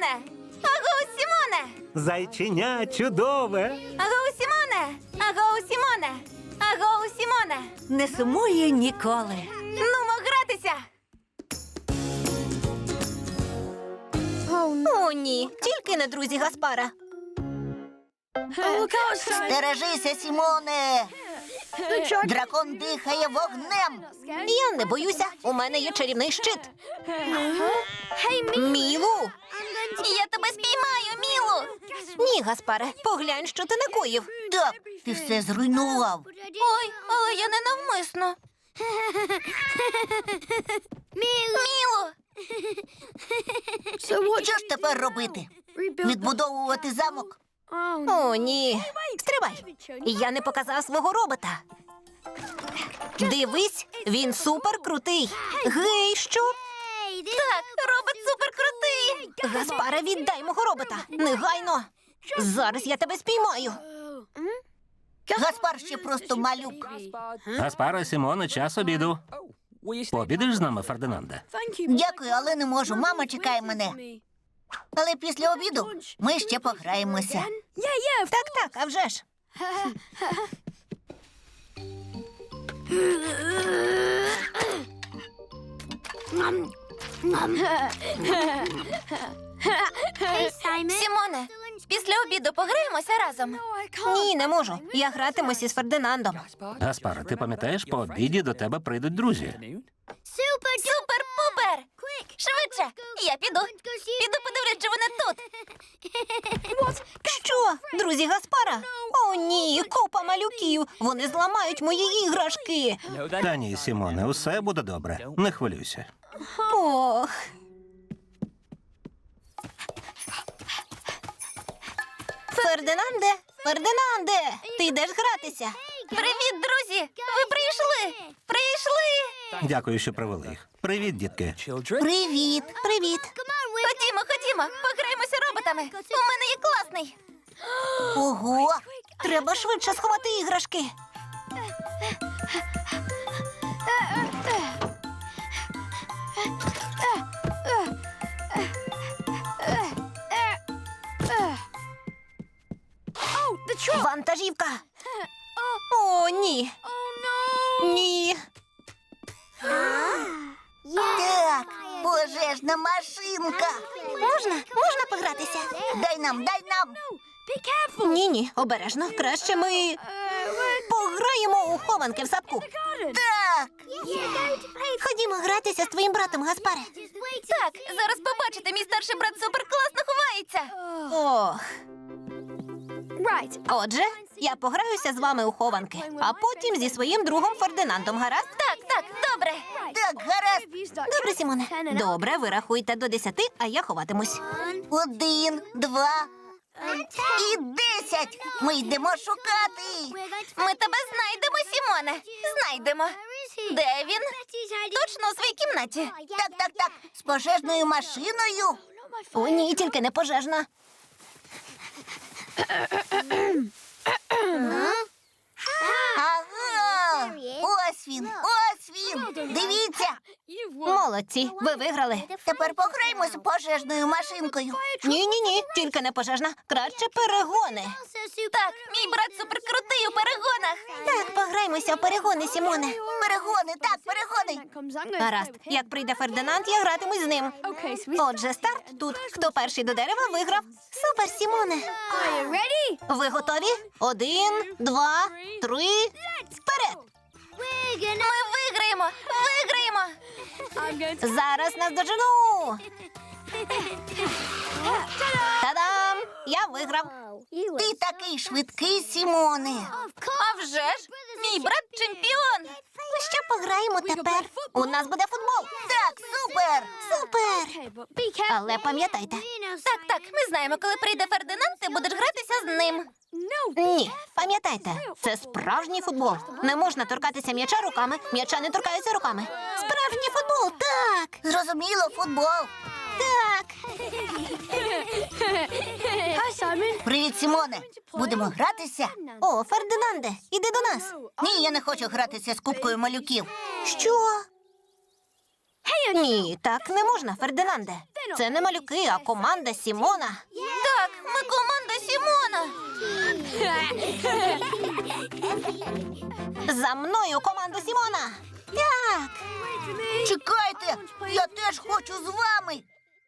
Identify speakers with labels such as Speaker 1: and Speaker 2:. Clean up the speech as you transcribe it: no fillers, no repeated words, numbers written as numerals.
Speaker 1: Сімоне! Агоу, Сімоне!
Speaker 2: Зайченя чудове.
Speaker 1: Агоу, Сімоне! Агоу, Сімоне! Агоу, Сімоне!
Speaker 3: Не сумує ніколи.
Speaker 1: Нумо гратися! О, ні, тільки не друзі Гаспара.
Speaker 4: Стережися, Сімоне! Дракон дихає вогнем!
Speaker 1: Я не боюся, у мене є чарівний щит. Мілу! Я тебе спіймаю, Мілу! Ні, Гаспаре, поглянь, що ти накоїв.
Speaker 4: Так, ти все зруйнував.
Speaker 1: Ой, але я не навмисно. Мілу!
Speaker 4: Що ж тепер робити? Відбудовувати замок?
Speaker 1: О, ні. Стривай. Я не показав свого робота. Дивись, він суперкрутий. Гей, що? Так, робот суперкрутий. Гаспаре, віддай мого робота. Негайно. Зараз я тебе спіймаю.
Speaker 4: Гаспар ще просто малюк.
Speaker 2: Гаспаро, Сімоне, час обіду. Пообідеш з нами, Фердинанде?
Speaker 4: Дякую, але не можу. Мама чекає мене. Але після обіду ми ще пограємося.
Speaker 1: Так, а вже ж. Сімоне, після обіду пограємося разом? Ні, не можу. Я гратимуся з Фердинандом.
Speaker 2: Гаспаро, ти пам'ятаєш, по обіді до тебе прийдуть друзі.
Speaker 1: Супер-пупер! Швидше! Я піду. Піду подивлюсь, чи вони тут. Що? Друзі Гаспара? О, ні, купа малюків. Вони зламають мої іграшки.
Speaker 2: Та ні, Сімоне, усе буде добре. Не хвилюйся.
Speaker 1: Ох. Фердинанде, Фердинанде, ти йдеш гратися? Привіт, друзі! Ви прийшли! Прийшли!
Speaker 2: Дякую, що привели їх. Привіт, дітки.
Speaker 4: Привіт!
Speaker 1: Привіт! Ходімо, пограємося роботами. У мене є класний.
Speaker 4: Ого!
Speaker 1: Треба швидше сховати іграшки. Вантажівка. О, ні. Ні.
Speaker 4: Так, пожежна машинка.
Speaker 1: Можна погратися?
Speaker 4: Дай нам, дай нам.
Speaker 1: Ні, обережно. Краще ми пограємо у хованки в садку.
Speaker 4: Так,
Speaker 1: Ходімо гратися з твоїм братом, Гаспаре. Так, зараз побачите, мій старший брат суперкласно ховається. Ох. Отже, я пограюся з вами у хованки, а потім зі своїм другом Фердинандом, гаразд? Так, добре.
Speaker 4: так, гаразд.
Speaker 1: Добре, Сімоне. Добре, ви рахуйте до 10, а я ховатимусь.
Speaker 4: 1, 2 і 10. Ми йдемо шукати.
Speaker 1: Ми тебе знайдемо, Сімоне. Знайдемо. Де він? Точно у своїй кімнаті.
Speaker 4: Так, з пожежною машиною.
Speaker 1: О, ні, тільки не пожежна.
Speaker 4: Ага, ось він. Дивіться.
Speaker 1: Молодці, ви виграли.
Speaker 4: Тепер пограємося пожежною машинкою.
Speaker 1: Ні, тільки не пожежна. Краще перегони. Так, мій брат суперкрутий у перегонах. Так, пограймося в перегони, Сімоне.
Speaker 4: Перегони.
Speaker 1: Гаразд, як прийде Фердинанд, я гратимусь з ним. Отже, старт тут. Хто перший до дерева, виграв. Супер, Сімоне. Ви готові? 1, 2, 3, вперед! Ми виграємо! Зараз наздожену! Та-дам! Я виграв!
Speaker 4: Ти такий швидкий, Сімоне.
Speaker 1: А вже ж! Мій брат чемпіон! Що пограємо тепер? У нас буде футбол!
Speaker 4: Так, супер.
Speaker 1: Супер! Але пам'ятайте. Так, ми знаємо, коли прийде Фердинанд, ти будеш гратися з ним. Ні, пам'ятайте, це справжній футбол. Не можна торкатися м'яча руками, м'яча не торкаються руками. Справжній футбол, так!
Speaker 4: Зрозуміло, футбол.
Speaker 1: Так!
Speaker 4: Привіт, Сімоне. Будемо гратися?
Speaker 1: О, Фердинанде, іди до нас.
Speaker 4: Ні, я не хочу гратися з купкою малюків.
Speaker 1: Що? Ні, так не можна, Фердинанде. Це не малюки, а команда Сімона. Так, ми команда Сімона. За мною команда Сімона. Так.
Speaker 4: Чекайте, я теж хочу з вами.